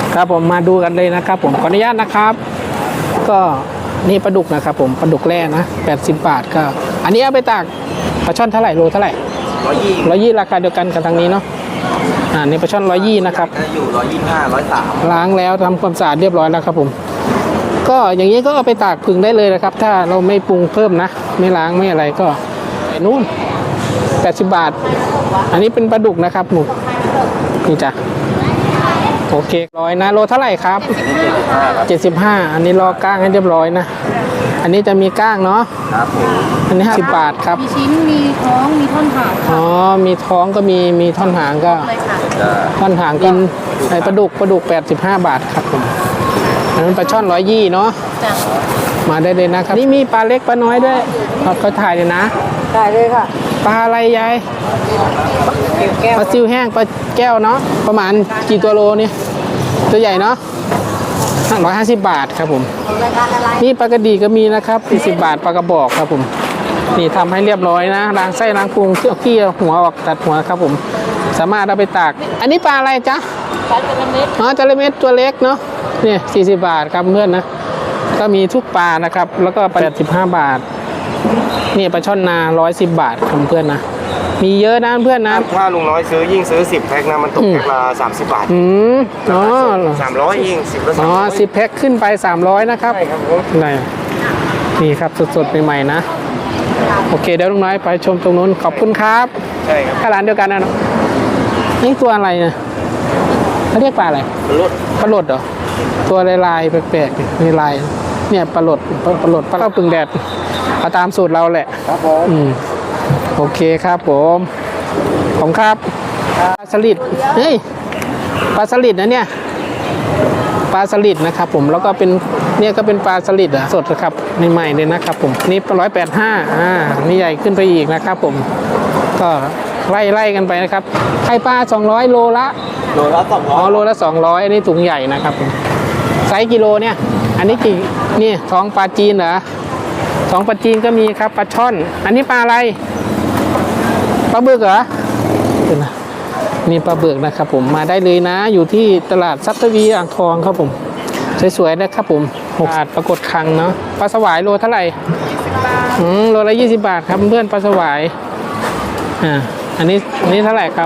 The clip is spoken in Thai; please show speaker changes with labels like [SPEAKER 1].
[SPEAKER 1] ครับผมมาดูกันเลยนะครับผมขออนุญาตนะครับก็นี่ปลาดุกนะครับผมปลาดุกแร่นะ80 บาทก็อันนี้เอาไปตากปลาช่อนเท่าไหร่โลเท่าไหร่120ราคาเดียวกันกับทางนี้เนาะนี่ปลาช่อน120นะครับ
[SPEAKER 2] อยู่125 103
[SPEAKER 1] ล้างแล้วทำความสะอาดเรียบร้อยแล้วครับผมก็อย่างนี้ก็เอาไปตากผึ่งได้เลยนะครับถ้าเราไม่ปรุงเพิ่มนะไม่ล้างไม่อะไรก็นู่น80 บาทอันนี้เป็นปลาดุกนะครับหมูนี่จ้ะโอเค100นะโลเท่าไหร่ครับ75อันนี้รอก้างให้เรียบร้อยนะอันนี้จะมีก้างเนาะ
[SPEAKER 2] ครับผม
[SPEAKER 1] อันนี้50 บาทครับ
[SPEAKER 3] มีชิ้นมีท้องมีท่อนหาง
[SPEAKER 1] อ๋อมีท้องก็มีท่อนหางก็ท่อนหางกินไอ้ปลาดุก85 บาทครับผมอันนั้นปลาช่อน120เนาะมาได้เลยนะครับนี่มีปลาเล็กปลาน้อยด้วยเขาถ่ายเลยนะ
[SPEAKER 3] ได้เลยค่ะ
[SPEAKER 1] ปลาอะไรยายปลาซิวแห้งปลาแก้วเนาะประมาณกี่ตัวโลนี่ตัวใหญ่เนาะ150 บาทครับผมนี่ปลากระดีก็มีนะครับ40 บาทปลากระบอกครับผมนี่ทำให้เรียบร้อยนะล้างไส้ล้างพุงเอาขี้หัวออกตัดหัวครับผมสามารถเอาไปตากอันนี้ปลาอะไรจ๊ะ
[SPEAKER 3] ปลาจระเม็ด
[SPEAKER 1] จระเม็ดตัวเล็กเนาะนี่40 บาทครับเพื่อนนะก็มีทุกปลานะครับแล้วก็85 บาทนี่ปลาช่อนนา110 บาทครับเพื่อนนะมีเยอะนะเพื่อนนะ
[SPEAKER 2] ถ้าลุงน้อยซื้อยิ่งซื้อ10 แพ็คนะมันตกแพ็คละ30 บาท
[SPEAKER 1] อ๋อ
[SPEAKER 2] 300ยิ่ง10ละ
[SPEAKER 1] 10 แพ็คขึ้นไป300นะครับ
[SPEAKER 2] ใช่ครับผม
[SPEAKER 1] นี่ครับสดๆใหม่ๆนะโอเคเดี๋ยวลุงน้อยไปชมตรงนู้นขอบคุณครับ
[SPEAKER 2] ใช่ครับ
[SPEAKER 1] ร้านเดียวกันนะนี่ตัวอะไรเนี่ยเขาเรียกปลาอะไรปลาหลดเหรอตัวลายแปลกๆมีลายเนี่ยปลาหลดปลาข้าวปึงแดดเอาตามสูตรเราแหละ
[SPEAKER 2] ครับผม
[SPEAKER 1] โอเคครับผมผมครับปลาสลิดเฮ้ยปลาสลิดนะเนี่ยปลาสลิดนะครับผมแล้วก็เป็นเนี่ยก็เป็นปลาสลิดสดนะครับใหม่ๆเลยนะครับผมนี่185นี่ใหญ่ขึ้นไปอีกนะครับผมก็ไล่กันไปนะครับไข่ปลา200โลละ200โลละ200อันนี้ถุงใหญ่นะครับผมไซส์กิโลเนี่ยอันนี้กี่นี่ท้องปลาจีนเหรอท้องปลาจีนก็มีครับปลาช่อนอันนี้ปลาอะไรปลาบึกเหรอนี่ปลาบึกนะครับผมมาได้เลยนะอยู่ที่ตลาดทรัพย์ทวีอ่างทองครับผมสวยๆนะครับผม6 บาทปรากฏครั้งเนาะปลาสวายโลเท่าไหร่
[SPEAKER 3] 20 บาท
[SPEAKER 1] โลละ20 บาทครับเพื่อนปลาสวายอันนี้เท่าไหร่ครับ